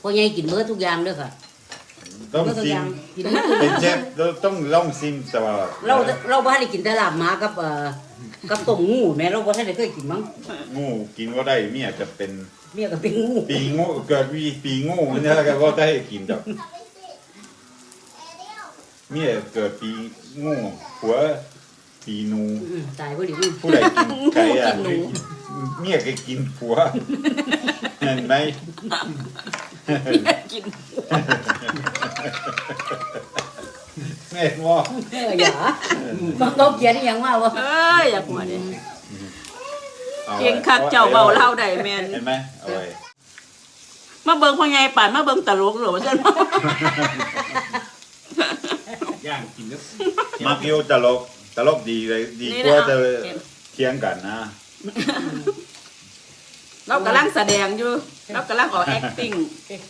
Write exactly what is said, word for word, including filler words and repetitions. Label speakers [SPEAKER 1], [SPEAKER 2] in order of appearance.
[SPEAKER 1] พ่อใหญ่กินเบิดทุกอย่างเด้อค่ะ
[SPEAKER 2] ต้อง
[SPEAKER 1] เบิดทุก
[SPEAKER 2] ซิ
[SPEAKER 1] อ
[SPEAKER 2] ม
[SPEAKER 1] ย่างกินเบิดทุก
[SPEAKER 2] เป็น
[SPEAKER 1] อ
[SPEAKER 2] เช
[SPEAKER 1] ย่าง
[SPEAKER 2] ฟเราต้องลองซิมตลอด
[SPEAKER 1] เราเราบ่ได้กินแต่ลาบหมากับเอ่อกับต้มงูแม่เราบ่ทันได้เคยกินมั้ง
[SPEAKER 2] งูกินก็ได้เมียจะเป็น
[SPEAKER 1] เมียก็เป็นงู
[SPEAKER 2] ปีงูเกิดวีปีงูเนี่ยแล้วก็ได้กินดอกเมียเกิดปีงูหัวปีนู
[SPEAKER 1] อืมตายบ่ดี
[SPEAKER 2] ผู้ใดกินไก่อ่ะ
[SPEAKER 1] กินหนู
[SPEAKER 2] เมียก็กินผัวเห็นไหม
[SPEAKER 3] กิน
[SPEAKER 2] แม่ว่า
[SPEAKER 1] เอออย่ามันเขาเขียนอหยังว่าวะ
[SPEAKER 3] เอ้ยอย่าหัวเด้เก่งคักเจ้าเบาเล่าได้แม่น
[SPEAKER 2] เห็นไหมเอาไว้
[SPEAKER 3] มาเบิ่งพ่อใหญ่ป่านมาเบิ่งตลกหรอว่าซั่น
[SPEAKER 4] ย่างกินแล้ว
[SPEAKER 2] มาเกี่ยวตลกตลกดีเลยดีกว่าจะเทียงกันนะ
[SPEAKER 3] เรากำลังแสดงอยู่เรากำลังออก acting